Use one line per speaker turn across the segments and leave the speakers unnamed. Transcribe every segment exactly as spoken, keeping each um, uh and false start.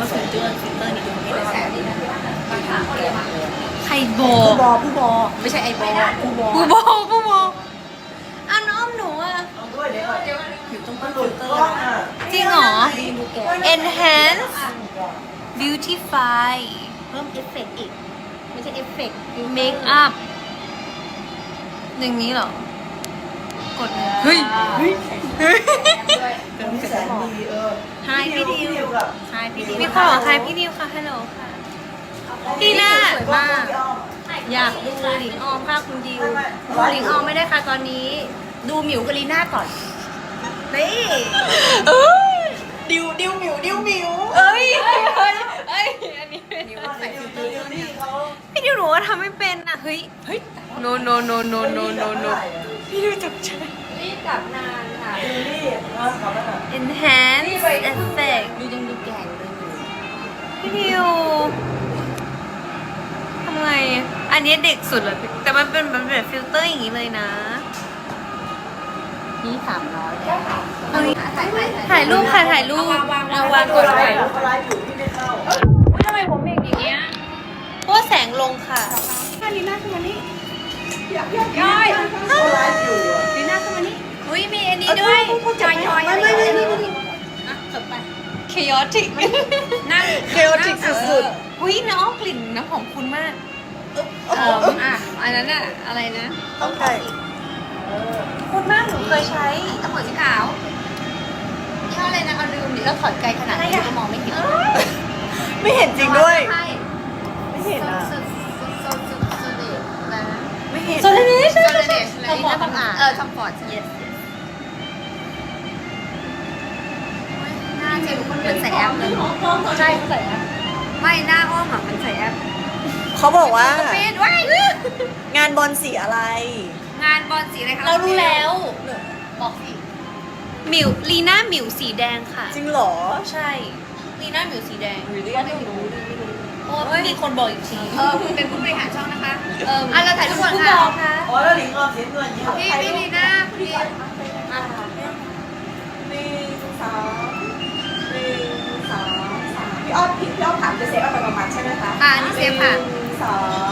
ฟิลเตอร์ฟิลเตอร์นี่ดูไม่ได้แสบดีนะไฮโบ
ผู้บอผู้บอ
ไม่ใช่ไอโบ
ผู้บอ
ผู้โบผู้โบอ่ะน้องหนูอ่ะ
ด้วยเดี๋ยวก่อน
อยู่ตรง
มั
ต้
น
น
หลุ
ฟิ
ด
ลเต
ก
อ
ล้อง
ร์
อ่ะ
จริงเหรอ enhance beautify
เพิ่มเอฟเฟกต์อีก ไม่ใช่เอฟเฟกต์
make up หนึ่งนี้เหรอ กดเลยเฮ้ย
เฮ้ย
เฮ้ย
เป็นแสนดีเออ
ไฮพี่ดิว
กับ
ใช่พี่ดิว
มีคนบอกไฮพี่ดิวค่ะฮัลโหลค่ะ พี่น่าสวยมาก อยากดูหลิงออมค่ะคุณดิวดูหลิงออมไม่ได้ค่ะตอนนี้
ดูหมิวกบลีน่าก่อน
นี่
ดิวดิวหมิวดิวหมิว
เอ้ยเอ้ยเอ้ยเอ้ยอันนี้
ดิวใส่ฟิลเตอร์ดิวนี่เขา
พี่ดิวหนูว่าทำไม่เป็นอ่ะ เฮ้ย เฮ้ย no no no no no no no พี่ดิวจับใจ
รีบกลับนานค่ะ
ดิวนี่นะขอบคุณอ่ะ
enhance effect
ดูยังดูแก่เลยอยู่
พี่ดิวทำไง อันนี้เด็กสุดเลยแต่มันเป็นมันเป็นฟิลเตอร์อย่างนี้เลยนะ
นี่สามร้อยแล้ว
เฮ้ย
ถ่ายถ่าย
ถ่ายรูปค่ะถ่ายรูปเอาวางกด
ไล
ไว้
ฟ์เขาไลฟ์อยู่พี่ไม่เข้า
อุ๊ยทำไมผมเป็นอย่างเงี้ย
เพราะว่าแสงลงค่ะ
ถ้าลีน่าขึ้นมานี่
อยากอยากย่อยเขาไลฟ์อยู่อ่ะ
ลีน่าขึ้นมานี่
อุ้ยมีอันนี้ด้วย
จอยจอย
ไม่ไม่ไม่ไม่ไม่
อ่ะจบไป
chaotic
นั่ง
chaotic สุดๆอุ้ยน้องกลิ่นน้ำหอมคุณมาก
เอออ่ะอันนั้นอะอะไรนะ
ต้องใส่
คุณมากหนูเคยใช้
ตะขวดสีขาวยี่ห้ออะไรนะเอาลืมดิแล้วถอดไกลขนาดนี้ก็มองไม่เห็น
ไม่เห็นจริงด้วย
ใช่
ไม่เห็นอ่ะ
สุดสุดสุดสุดสุดเลยอะไรนะ
ไม่เห็น
โซเลนิช
โซเลเนชอะไรนะทำอ่านเออทำฟอร์ด yes หน้าเจมเหมือนใส่แอปเลยใช่ใส่แอปไม่หน้าอ้อมอ่ะมันใส่แอป
เขาบอกว่า
ปีนไว้
งานบอลสีอะไร
งานบอลสีอะไรคะ
เรารู้แล้ว
บอกสิ
หมิวลีน่าหมิวสีแดงค่ะ
จริงเหรอ
ใช่ลีน่าหมิวสีแดง
หรือว่าไม่รู้
เพราะว่ามีคนบอกอีกที
เออคุณเป็นผู้บริหารช่องนะคะ
เออ
อ่ะเราถ่ายทุกคน
คุณ
ค่ะ
บอกค่ะ
อ๋อแล้วหลิงออมเสียเงินยี่ห้อ
พี่พี่ลีน่าพี่อ่ะ
หนึ่งสองหนึ่งสองสามพี่อ้อมพี่อ้อมถามจะเซฟเอาไปประมาณใช่ไหมคะ
อ่ะอันนี้เซฟค่ะ
หนึ่งสอง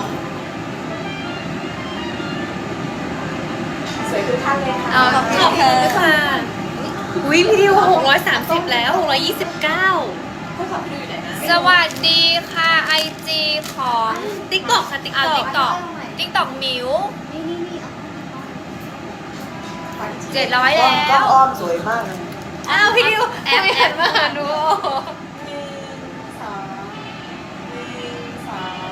สวยทุกท่านเลยค่ะ
เอาขอบคุณค่ะอุ้ยพี่ดิวหกร้อยสามสิบแล้วหกร้อยยี่สิบเก้า
ผู้ขับพี่ดูอยู่ไหนนะ
สวัสดีค่ะไอจีของ
ติ๊กตอกค่ะติ๊ก
อ่า
ตอก
ติ๊กต็อกติ๊กต็อกมิว
นี่นี่นี่
เจ็ดร้อย
กล้อง
แล้ว
อ้อมสวยมากเลย
อ้าวพี่ดิว
แอปแอปมาดู
หนึ่งสองหนึ่งสอง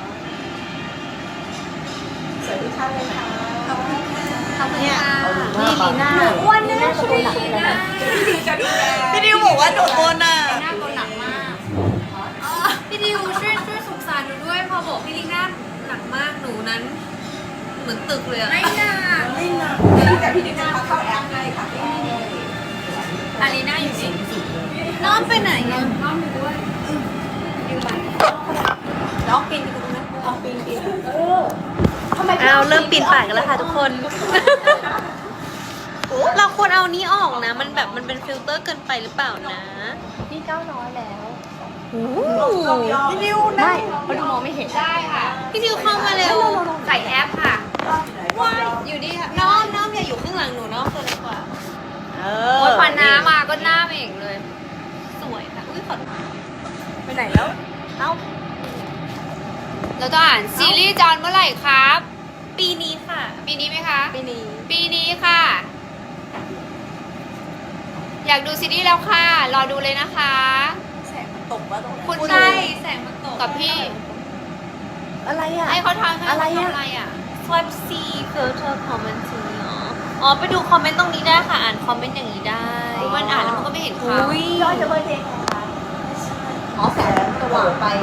สวยทุกท่านเลยค่ะขอบคุณค่ะ
ขอบคุณค่ะ
นี่ลีน่า
อ้วนนะช่วยลีน่า
พี่ดิวบอกว่าหนูอ้วนอ่ะ
ลีน่าตัวหนักมาก
พี่ดิวช่วยช่วยสงสารหนูด้วยพอบอกพี่ลีน่าหนักมากหนูนั้น เหมือนตึกเลยอะ
ไม่หนัก
ไม่หนักแต่พี่ดิวจะพาเข้าแอปให้ค่ะ
อารีน่าอยู่สิ
น้องไปไหนอะ
น้องอยู่ด้วยอยู่บ้าน
น้องปีนไปตรงนั้นน้องปีนปีนเออทำไม
อ้าวเริ่มปีนป่ายกันแล้วค่ะทุกคน เราควรเอานี้ออกนะ มันแบบมันเป็นฟิลเตอร์เกินไปหรือเปล่านะ
นี่เก้าร้อยแล้ว
พี่ดิวนะ
เพราะดูมองไม่เห็นได้ค่ะ
พี่ดิวเข้ามาเร็ว
ใส่แอปค่ะ
ว้ายอยู่นี่ค่ะน้องน้องอย่าอยู่ข้างหลังหนูน้องตัวเล็กกว่า
เอ
โอ้ยพอน้ำมาก็หน้าเองเลย
สวยค่ะอุ้ยขอโทษ
ไปไหนแล้ว เอ้า
แล้วต้องอ่านซีรีส์จอนเมื่อไหร่ครับ
ปีนี้ค่ะ
ปีนี้ไหมคะ
ปีนี้
ปีนี้ค่ะ อยากดูซีรีส์แล้วค่ะ รอดูเลยนะคะ
แสงมันตกว่าตรงนั้น
คุณ
ใช่แสงมันตก
กับพี่
อะไรอ่ะ
ให้เขาทำให้
อะไร
เขา
อะ
ทำอะไรอ่ะ
swipe C filter comment ตรงนี้เหรออ๋อไปดูคอมเมนต์ตรงนี้ได้ค่ะ อ่านคอมเมนต์อย่างนี้ได้
มันอ่านแล้วมันก็ไม่เห็นข่าว
อุ้ย
ย้อนจะเบอร์เพลงไงคะ
อ๋อแสงสว่างไป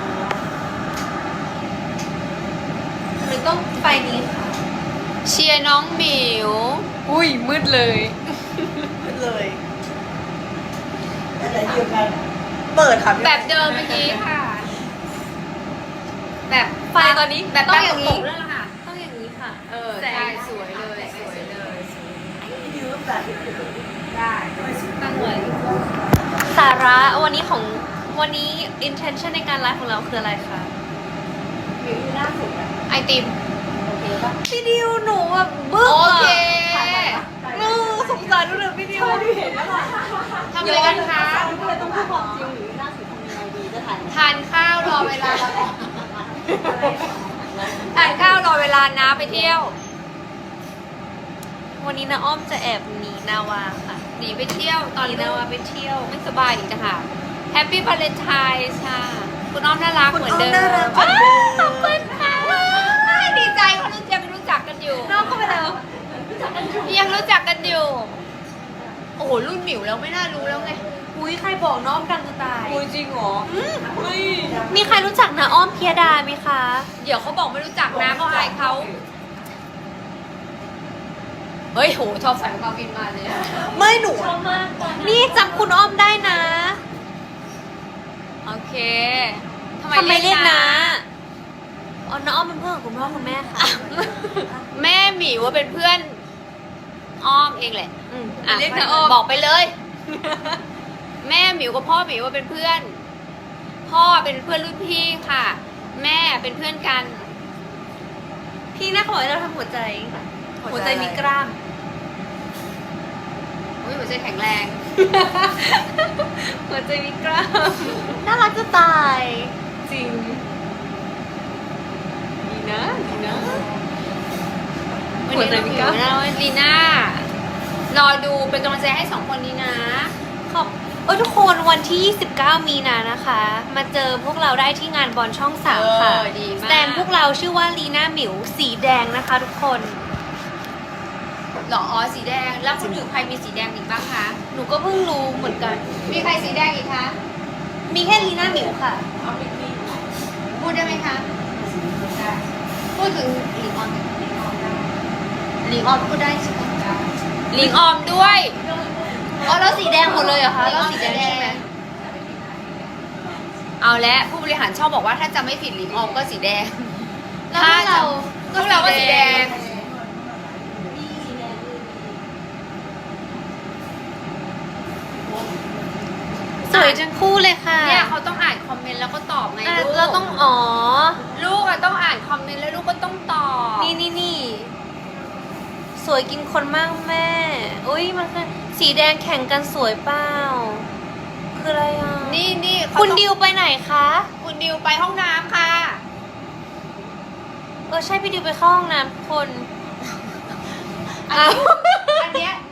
หรือต้องไฟนี้ค่ะ
เชียร์น้องหมิว
อุ้ยมืดเลย
เลยอะไรเดียวกัน เปิดค่ะพี่
แบบเดิมเมื่อกี้ค่ะ แบบ
ไฟตอนนี้
แบบ
ต้อง
แบบ
อย่าง
นี้
นี้
นั่นแหละค่ะ
ต้องอย่างนี้ค่ะ
เออ
แสง
ใช่สวยเลย สวยเลย
พี่ดิวแบบ
ได้
ตั้งไว้สาระวันนี้ของวันนี้ intention ในการไลฟ์ของเราคืออะไรคะ
หรือหน้าสุดอะ
ไอติม
โอเคปะ
พี่ดิวหนูแบบบึ้ง
โอ
อะ
เค
ถ่ายไหวปะ
หนูสงสารดูเลยพี่ดิว
ใช่ดูเห็นแล้วล่ะ
ทำอะไรกันคะ
ดูก็เลยต้องพูดความจริงหรือหน้าสุดทำยังไงดีจะถ่ายไหม
ทานข้าวรอเวลาทานข้าวรอเวลานะไปเที่ยว
วันนี้นะอ้อมจะแอบหนีนาวาค่ะ
หนีไปเที่ยวตอน
หนี
นี้
นา
นะ
วา
ว่า
ไปเที่ยว
ไม่สบายอีกจ้ะค่ะแฮปปี้วาเลนไทน์ค่ะ คุณอ้อมน่ารักเหมือนเดิม
คุณอ้อมน่ารักเหมือนเดิม
ขอบคุณค่ะดีใจเขารู้จักรู้จักกันอยู่
น้องเข้าไปแล้ว
ยังรู้จักกันอยู่ โอ้โหรุ่นหมิวแล้วไม่น่ารู้แล้วไง
อุ้ยใครบอกน้องดังจะตาย
คุยจริงเหรอ
มีใครรู้จักนะอ้อมเพียดาไหมคะ
เดี๋ยวเขาบอกไม่รู้จักนะเขาอายเขาเฮ้ยโหชอบใส่กระเป๋าบินมาเลย
ไม่หนู
นี่จำคุณอ้อมได้นะ
โอเค
ทำไมเรียกนะอ๋อน้าอ้อมเป็นเพื่อนของคุณพ่อคุณแม่ค่ะ
แม่หมิวว่าเป็นเพื่อนอ้อมเองแหละ
อืม
อ่ะ
เรียกนะอ้อม
บอกไปเลย แม่หมิวกับพ่อหมิวว่าเป็นเพื่อน พ่อเป็นเพื่อนรุ่นพี่ค่ะ แม่เป็นเพื่อนกัน
พี่น่าขอให้เราทำหัวใจ หัวใจมีกล้าม
อุ้ยหัวใจแข็งแรง
หัวใจมีกล้าม น่ารักจะตาย จริง ดีนะ ดีนะ
วัน
หัว
นี้
ใจ
เรา
มี
มี
กล้าม
นะวันลีน่ารอดูเป็นกำลังใจให้สองคนนี้นะ
ขอบเออทุกคนวันที่ยี่สิบเก้ามีนานะคะ มาเจอพวกเราได้ที่งานบอลช่องสามค่ะ
เออดีมาก
แตนพวกเราชื่อว่าลีน่าหมิวสีแดงนะคะทุกคน
หรออ๋อสีแดง แล้วคนอื่นใครมีสีแดงอีกบ้างคะ
หนูก็เพิ่งรู้เหมือนกัน
มีใครสีแดงอีกคะ
มีแค่ลีน่าหมิวค่ะ
เอาไปกิน
พูดได้ไหมคะ พูดถึงลิงออมลิงออมพูดได้ใช่ไหมลิงออมด้วยอ๋อแล้วสีแดงหมดเลยเหรอคะแล้วสีแดงใช่ไหมเอาและผู้บริหารชอบบอกว่าถ้าจะไม่ผิดลิงออมก็สีแดง
แล้วพวกเรา
พวกเราก็สีแดง
สวยจังคู่เลยค่ะ
เนี่ยเขาต้องอ่านคอมเมนต์แล้วก็ตอบไง
อ่ะ
ลูก
เราต้องอ๋อ
ลูกอะต้องอ่านคอมเมนต์แล้วลูกก็ต้องตอบ
นี่นี่นี่สวยกินคนมากแม่ อุ้ยมันคือสีแดงแข่งกันสวยเปล่า คืออะไรอ่ะ
นี่นี่เขา
คุณ
ต้อง
ดิวไปไหนคะ
คุณดิวไปห้องน้ำค่ะ
เออใช่พี่ดิวไปเข้าห้องน้ำทุกคน
อันนี้อันเนี้ย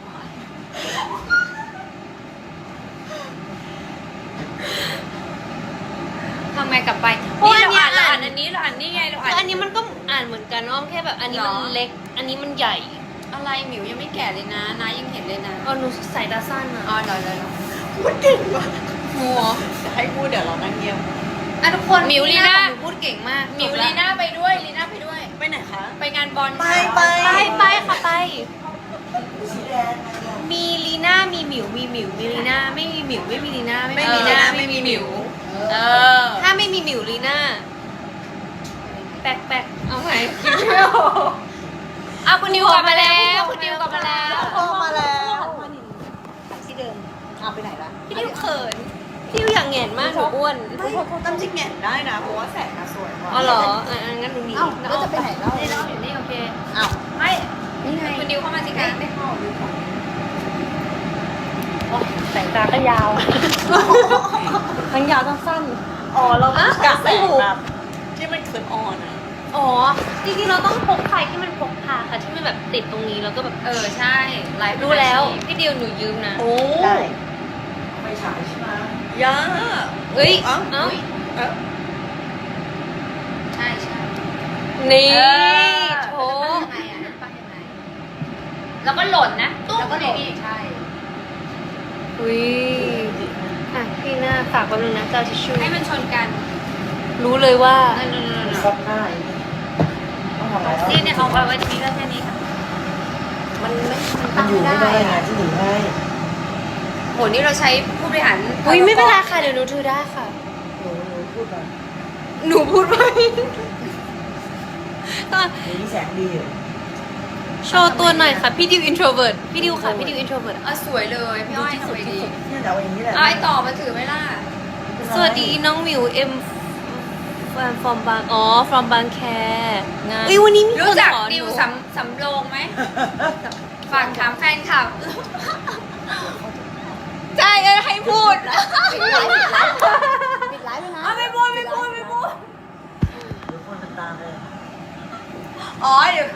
ทำไงกลับไป
เพราะ
นี่
อัน
เรา
เนี้ย
อ่านเรา
อ่า
อ่าน นอันนี้เราอ่านนี่ไงเรา
คือ
อ่าน
อันนี้มันก็อ่านเหมือนกันอ้อมแค่แบบอันนี้มัน
หรอ
เล็ก อันนี้มันใหญ่
อะไรหมิวยังไม่แก่เลยนะนายังเห็นเลยนะ
อ๋อหนูสายตาสั้นอ่ะ
อ๋อเดี๋ยวเดี๋ยวเดี๋ยว
พูดเก่งว่ะ
หัว
จะให้พูดเดี๋ยวเรานั่งเงียบ
อ่ะทุกคน
มิวลีน่า
หนูพูดเก่งมาก
หมิว
จบ
ลี
ละ
น่าไปด้วยลีน่าไปด้วย
ไปไหนคะ
ไปงานบอล
ไป
ค่ะ
ไป
ไปไปค่ะไป
สีแดง
มีลีน่ามีหมิวมีหมิวมีลีน่าไม่มีหมิวไม่มีลีน่า
ไม่
มี
มี
ลี
นะ
น่า
ไม่มีหมิว
เออ
ถ้าไม่มีหมิวลีน่าแปลกแปลกเอาไหน
เอาคุณดิวกลับมาแล้วคุณดิวกลับมาแล้ว
พ่อมาแล้ว
ที่เดิม
เอาไปไหนละ
พี่ดิวเขินพี่ดิวอย่างแหงนมากหนูอ้วน
ไม่ตั้มจริงเนี่ยได้นะเพราะว่าแสงมาสวยกว่า
อ๋อเหรออ่ะอ่ะงั้นหนูหนี
เอ้าแล้วจะไปไหนแล้ว
นี่เราอยู่นี่โอเค
อ้าว
ไม่นี่ไงคุณดิวเข้ามาสิคะ
ไม่เข้าดูก่อน
สายตาก็ยาว ทั้งยาวทั้งสั้น
อ๋อเรา
อ่ะ
กะแส
ไม่
ง
ถูก
แบบที่มันคืนออนอ่ะ
อ๋อ จริงๆเราต้องพกไฟที่มันพกพาค่ะที่มันแบบติดตรงนี้แล้วก็แบบ
เออใช่ไลฟ์
รู้แล้ว พี่ดิวหนูยืมนะ
โอ้ได้ไม่ฉายใช่ไหมยา
เอ้ย
เอ้า
เอ้า
เอ้า
ใช่ใช่
นี่
เออ
โถ
ยังไงอ่ะตั้งยังไงแล้วก็หล่นนะแล้วก็หล่นใช่
อุ้ยอ่ะพี่หน้าฝากแป๊บนึงนะเจ้าทิชชู่
ให้มันชนกัน
รู้เลยว่า
นั่นนั่นนั่น
ซับหน้าอีกต้องทำอะไรแล้ว
นี่เนี่ยเอาเอาไว้ตรงนี้แล้วแค่นี้ค่ะ
มันไม่มันอยู่ไม่ได้ไงที่หนีให้
โหนี่เราใช้ผู้บริหาร
อุ้ยไม่เป็นไรค่ะเดี๋ยวหนูถือได้ค่ะ
หนูหนูพูดไป
หนูพูดไปตอน
หนูนี่แสงดีอยู่
โชว์ตัวหน่อยค่ะ พี่ดิวอินโทรเวิร์ดพี่ดิวค่ะ พี่ดิวอินโทรเวิร์ด
เออสวยเลยพี่อ้อยทำไมดี
เนี่ยเดี๋ยวเอาอย่างนี้แหละ
เอาไอ้ต่อมาถือไหมล่ะ
สวัสดีน้องหมิวเอ็ม from บางอ๋อ from บางแคงานเอ้ยวันนี้มีค
รู้
น
จัก
ขอห
ดิ
นู
วสำสำโรงไหม ฝากถามแฟนคลับ
ใช่เอ้ยให้พูด
ปิดไลฟ์ปิดไลฟ์ปิดไลฟ์เลยนะ
เอาไม่พูดไม่พูดไม่พูด
เดี๋ยวคนตามเลย
อ๋อเดี๋ยว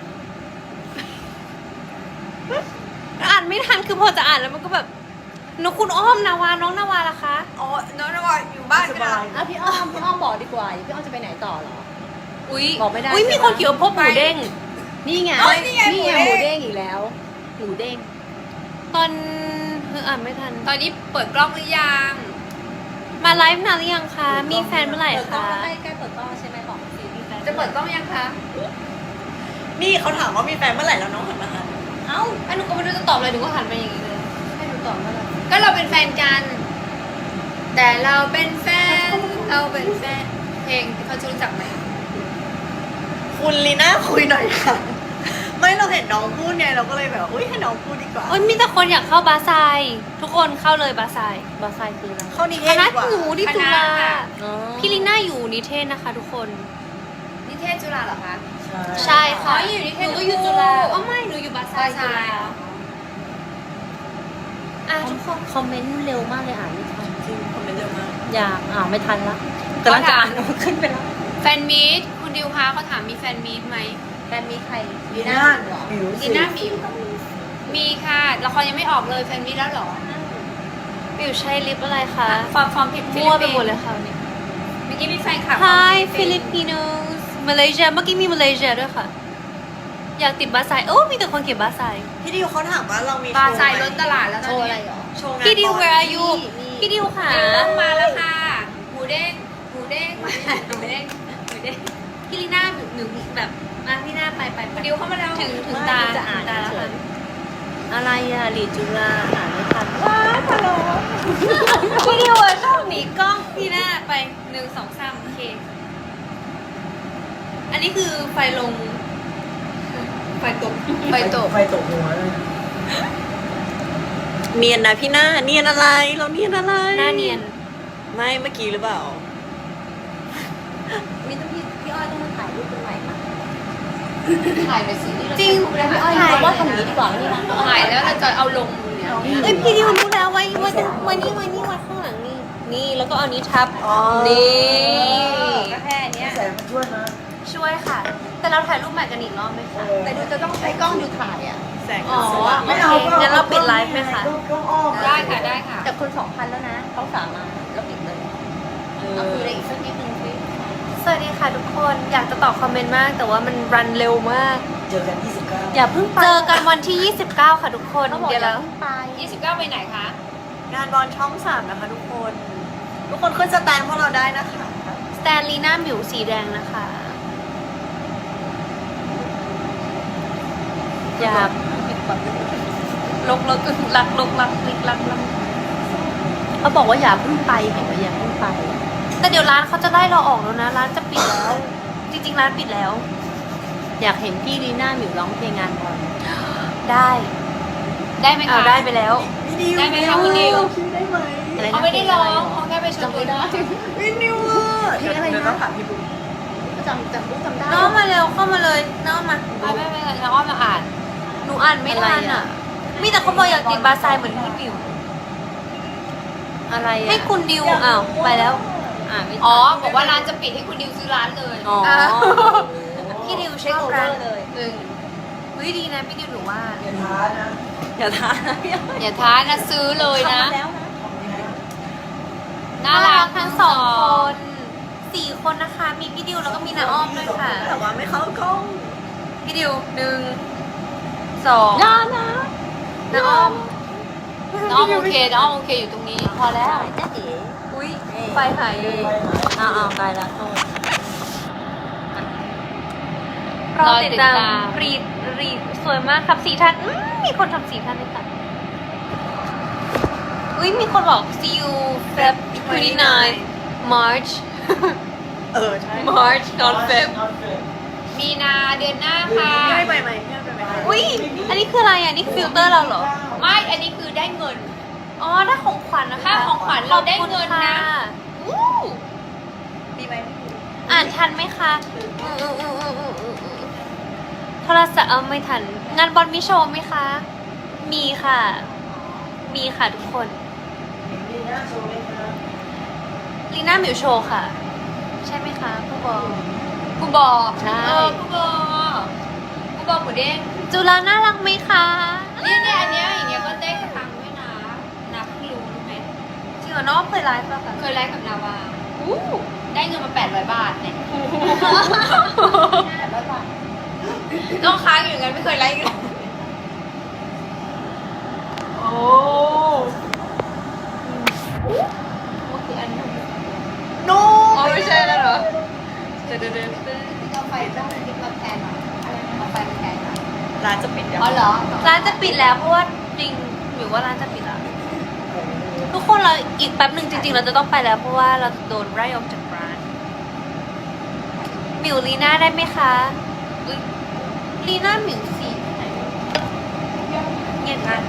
อ่านไม่ทันคือพอจะอ่านแล้วมันก็แบบน้องคุณอ้อมนาวาน้องนาวาล่ะคะ
อ๋อน้องนวาอยู่บ้าน
ส
ไม่ได้
บาย
อ่ะพี่อ้อมพี่อ้อมบอกดีกว่าพี่อ้อมจะไปไหนต่อเหรอ
อุ้ย
บอกไม่ได้
อุ้ยมีคนเขียวพบหมูเด้ง
นี่ไง
เอ้ยนี่ไง
นี่ไง
ห
ห
มู
มู
เด้
เด้
ง
งอีกแล้วหมูเด้ง
ตอนเอออ่านไม่ทัน
ตอนนี้เปิดกล้องหรือยัง
มาไลฟ์นานหรือยังคะ มีแฟนเมื่อไหร่
เปิดกล้อง
คะ
ใกล้ใกล้เปิดกล้องใช่ไหมบอกสิมีแฟนจะเปิดกล้องยังคะ
นี่เขาถามว่ามีแฟนเมื่อไหร่แล้วน้องหันมาหา
เอ้าอันหนูก็ไม่รู้จะตอบอะไรหนูก็หันไปอย่างนี้เลย
ให้หนูตอบว่าอะไรก็เราเป็นแฟนกัน แต่เราเป็นแฟนเราเป็นแฟนเพลงเขาจะรู้จักไหม
คุณลีน่าคุยหน่อยค่ะ ไม่เราเห็นน้องพูดไงเราก็เลยแบบอุ้ยให้น้องพูดดีกว่า
โอ้ยมีแต่คนอยากเข้าบาไซทุกคนเข้าเลยบาไซ
บาไซคืออะไร
เข้านิเท
ค
ศ
ณะ
ดีกว่า
หนูที่จุฬา
อ๋อ
พี่ลิน่าอยู่นิเทศนะคะ ทุกคน
นิเทศจุฬาเหรอคะ
ใช่
ใช่ค่ะ
อ๋ออยู่นิเทศ
หนูก็อยู่จุฬา
ทั้งคู่
อ๋อไม่หนูอยู่บาไซ
บาไซ
จุฬาอ่ะทุกคน
คอมเมนต์เร็วมากเลยอ่านไม่ทัน
จริงคอมเมนต์เยอะมาก
อยากอ่านไม่ทันละ
กำลังจะอ่านขึ้นไปแล้ว
แฟนมีตคุณดิวคะเขาถามมีแฟนมีตไหมแฟนมีตใคร
ลีน่า
เหรอ
หมิว
ลี
สิ
น่าหมิวมีค่ะละครยังไม่ออกเลยแฟนมีตแล้วเหรอ
บิวใช้ลิปอะไรคะ
ฟอร์มฟอร์มผิด
มั่วไปหมดเลยค่ะวันนี้
เมื่อกี้มีแฟนคลับ
Hi Filipinos มาเลเซียเมื่อกี้มีมาเลเซียด้วยค่ะ อยากติดบาไซโอ้มีแต่คนเขียนบาไซ
พี่ดิวเขาถามว่าเรามี
บา
โชว์
ไซ
ไหม
ล้นตลาดแล้วตอนนี้
โชว์งาน
พี่ดิว
บอล
where are you พี่ดิวค่ะ
เริ่มมาแล้วค่ะหมูเด้งหมูเด้งมาหมูเด้งหมูเด้ง
พี่ลีน่าหนูหนูแบบมาพี่หน้าไปไปไป
ดิวเข้ามาแล้ว
ถึงถึงตา
จะอ่าน
ถึงตาแล้วค่ะ
อะไรอ่ะลีจุฬาอ่านไม่ทัน
ว้าวฮัลโหล
พี่ดิวอะชอบหนีกล้องพี่หน้าไปหนึ่งสองสามโอเค อันนี้คือไฟลง ไฟตก
ไปตก
ไฟตกหัวเลย
เนียนนะพี่หน้าเนียนอะไรเราเนียนอะไร
หน้าเนียน
ไม่เมื่อกี้หรือเปล่า
มีต้องพี่พี่อ้อยต้องมาถ่ายรูปเป็นใหม่ค่ะถ่ายไปสินี่
จริง
พี่อ้อย
ถ่าย
ว่าทำนี้ดีกว่านี่นะถ่ายแล้วเราจะเอาลงเนี่ย
เอ้ยพี่ดิวรู้แล้วไว้ไว้ไว้นี่ไว้นี่ไว้ข้างหลังนี่นี่แล้วก็เอานี้ทับ
อ๋อ
นี่
ก็แค่เนี้ย
แสงมันช่วยนะ
ช่วยค่ะ แต่เราถ่ายรูปใหม่กันอีกรอบไหมคะ
แต่ดูจะต้องใช้กล้องดูถ่ายอ่ะ
แสง
อ๋อ
สว่าง
โอเคงั้นเราปิดไลฟ์ไหมคะ
กล้องอ้อม
ได้ค่ะได้ค่ะแต่คนสองพันแล้วนะเขาสามมาแล้วปิดเลยเอาคุยอะไรอีกสักนิดนึงสิ
สวัสดีค่ะทุกคนอยากจะตอบคอมเมนต์มาก แต่ว่ามันรันเร็วมาก
เจอกันยี่สิบเก้า
อย่าเพิ่งเจอกันวันที่ ยี่สิบเก้า ค่ะทุกคน
เขาบอก
เดี๋ยว
อย่า
เรา
เพิ่งไปยี่สิบเก้าไปไหนคะ
งานบอลช่องสามนะคะทุกคน ทุกคนขึ้นสแตนพวกเราได้นะคะ
สแตนลีน่าหมิวสีแดงนะคะ อยากลกลกลักลกลักลิกลักลัก
เขาบอกว่าอย่าเพิ่งไปเห็นไหมอย่าเพิ่งไป
แต่เดี๋ยวร้านเขาจะไล่เราออกแล้วนะ ร้านจะปิดแล้ว จริงๆร้านปิดแล้ว
อยากเห็นพี่ลีน่าหมิวร้องเพลงงานบอล
ได้
ได้ไหม
เอา
คะ
ได้ไปแล้ว
พี่ดิว
ได้ไหมคะคุณดิว
คิวได้ไหม
อะไรนะเขาไม่ได้ร้องเขาแค่ไปชมดูได้
พี่ดิวอ่ะ
เพลงอะไรนะ
เดี๋ยวต้องถามพี่บุ๊ค
จำจำรู้จำได้
น้องมาเร็วเข้ามาเลยน้องมา
ไม่ไม่ไม่เราอ้อมมาอ่าน
หนูอ่านไม่ทันอ่ะ มีแต่คนบอกอยากติดบาไซเหมือนพี่หมิว
อะไรอ่ะ
ให้คุณดิวอ้าวไปแล้ว
อ่านไม่อ๋อบอกว่าร้านจะปิดให้คุณดิวซื้อร้านเลย
อ๋อ
อ่ะ
พี่ดิวเช็คร้าน
เลยหนึ่ง
เฮ้ยดีนะพี่ดิวหนูว่า
อย่าท้านะ
อย่าทานนะพี่
อย่าท้านะซื้อเลยนะ
แล้วนะ
ทำนี้นะ
น่ารัก
ทั้งสองคนสี่คนนะคะ มีพี่ดิวแล้วก็มีน้าอ้อมด้วยค่ะ
แต่ว่าไม่เข้ากล้อง
พี่ดิวหนึ่งสอง
น่านะ
น้าอ้อม
น้องโอเคน้องโอเคอยู่ตรงนี้ พอแล้วจ้าเอ๋
อุ้ยไฟหายเลย
ไปหา
อ้าวอ้าวไกลละโทษ
รอติดตามรีดรีดสวยมากครับสีท่านอืมมีคนทำสีท่านด้วยค่ะอุ้ยมีคนบอก see you Feb twenty-nine March
เออใช่
March not Feb
นอนเฟร
มีนาเดือนหน้าค่ะ
พี่ให้ไปไหมพี่ให้ไปไหม
อุ้ยอันนี้คืออะไรอ่ะนี่ฟิลเตอร์เราเหรอ
ไม่ อันนี้คือได้เงิน
อ๋อได้ของขวัญนะคะ
ค่าของขวัญเราได้เงินนะ
ขอบคุณค่
อู้
ดีไหม
อ่านทันไหมคะอืมอืมอืมอืมอืมอืมอืมโทรศัพท์เอาไม่ทัน งานบอลมีโชว์ไหมคะ มีค่ะ มีค่ะทุกคน
มีหน้าโชว์ไหมคะ
ลีน่าหมิวโชว์ค่ะ ใช่ไหมคะผู้บอ
กูบอก
ใช่
เออกูบอกกูบอกหมูเด้ง
จุฬาน่ารักไหมคะ
เนี่ยเนี่ยอันเนี้ยอย่างเงี้ยก็ได้สตังค์ด้วยนะนับรู้รู้ไหม
จริงเหรอน้องเคยไลฟ์ป่ะคะ
เคยไลฟ์กับนาวาอู้ได้เงินมาแปดร้อยบาทเนี่ยต้องค้างอยู่อย่างนั้นไม่เคยไลฟ์กัน
โอ้
ก็คืออันนี้
นู
อ๋อไม่ใช่แล้วเหรอเดี๋ยวเดี๋ยวเดี๋ยวเอาไฟต้องติดมาแทนหน่อยเอาไฟมาแทนหน่อย
ร้านจะปิดยัง
อ๋อเหรอ
ร้านจะปิดแล้วเพราะว่าจริงหมิวว่าร้านจะปิดแล้ว ทุกคนเราอีกแป๊บหนึ่งจริงๆ เราจะต้องไปแล้วเพราะว่าเราโดนไล่ออกจากร้านหมิวลีน่าได้ไหมคะอุ๊ยลีน่าหมิวสีไหนเงียบกัน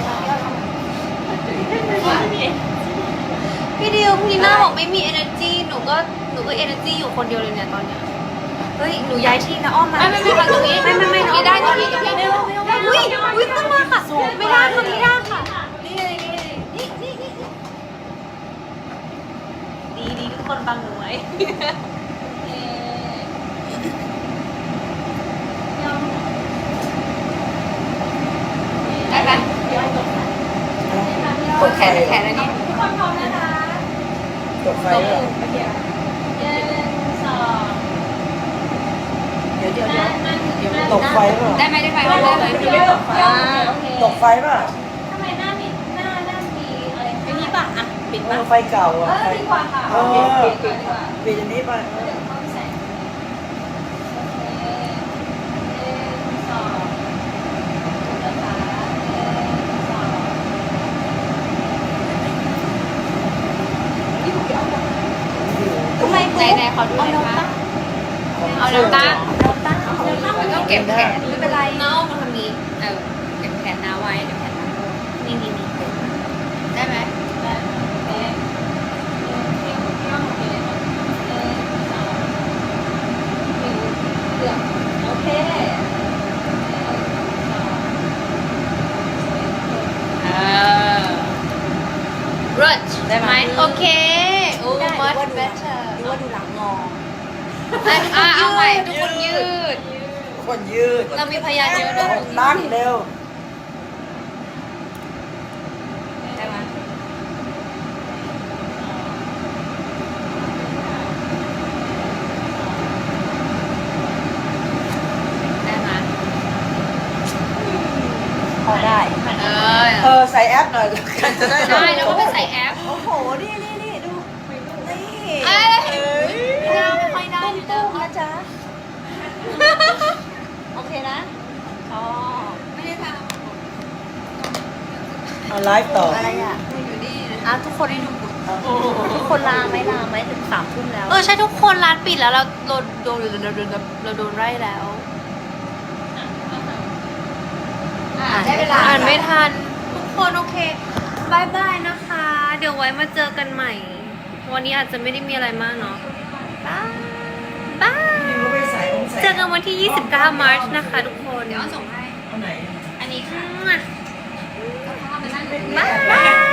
พี่ดิวพี่ลีน่าบอกไม่มี energy หนูก็หนูก็ energy อยู่คนเดียวเลยเนี่ยตอนเนี้ยเฮ้ยหนูย้ายที่นะอ้อมมา
ไม่ไม่ไม่ค่ะตรงนี้
ไม่ไม่ไม่
ตรงนี้ได้ตรงนี้ตรงนี้
ไม่ไม่ไม่อุ้ยอุ้ยขึ้นมาค่ะไม่ได้ค่ะไม่ได้ค่ะ
นี่เลยนี่เลยนี่นี่นี่
ดีดีทุกคนบังหนูไว้
ได้ไหมกดแขนแขนอันนี้
ทุกคนพร้อมนะคะ
ตกไฟเหรอ
หนึ่งสอง
เดี๋ยวเดี๋ยวเดี๋ยวเดี๋ยว
ตกไฟเหรอ
ได้ไหมได้ไหมได้ไหม
อ่าโอเค
ตกไฟป่ะ
ทำไมหน้ามีหน้าหน้ามีอะไรอันนี้ป่ะอ่ะปิด
เอ
ป่ะ
อไฟเก่า
เอ
อ่ะ
อ
ไฟ
ดีกว่าค่ะ
เอ
โอ
อ
เคปิดดีกว่า
ปิดอันนี้ไปเออ
เดี๋ยวเข้าไปใส่โอเคหนึ่งสองนะคะหนึ่งสองทำไม
ไหนไหนขอดูหน่อยค่ะเอาน้ำตั้งแล้วก็เก็บแขนไม่เป็นไรน้องมาทำนี้เออเก็บแขนน้าไว้เก็บแขนน้า
นี่นี่นี่
ได้ไหม
โอเค
เออรัชได้ไหมโอเคโอ้ much better
ดูว่าดูหลังงอ
อ่ะเอาใหม่ทุกคนยืด
คนยืด
เรามีพยานเยอะด้วย
ตั้งเร็ว
ได้ไหมได้ไหม
พอได้
เออ
เออใส่แอปหน่อยกันจะได้
ได้แล้วก็ไปใส่แอป
โอ้โห นี่นี่นี่ดู นี่
เอ้ย
เอ้ย
เราไม่ค่อยได้อยู่แล้ว
นะจ๊ะ โอเคนะชอบ
ไม่ได้ท
เอาไลฟ์ต่อ
อะไรอ่ะ
ำอยู่นี่นะ
อ่ะทุกคนได้ดูทุกคนลาไหมลาไหมถึงสามทุ่มแล้ว
เออใช่ทุกคนร้านปิดแล้วเราโดนโดนเราโดนเราโดนไล่แล้ว
อ่ะได้เวลา
อ่านไม่ทัน ทุกคนโอเคบายบายนะคะ เดี๋ยวไว้มาเจอกันใหม่ วันนี้อาจจะไม่ได้มีอะไรมากเนาะบายบาย
นี่ก็ไปใส่องใส่
เจอกันวันที่ ยี่สิบเก้า มาร์ชนะคะ ทุกคน
เดี๋ยวเอาส่งให้
เอาไหน
อันนี้ค่ะ
มั่ว
เอาเข้ามานั่ง
บาย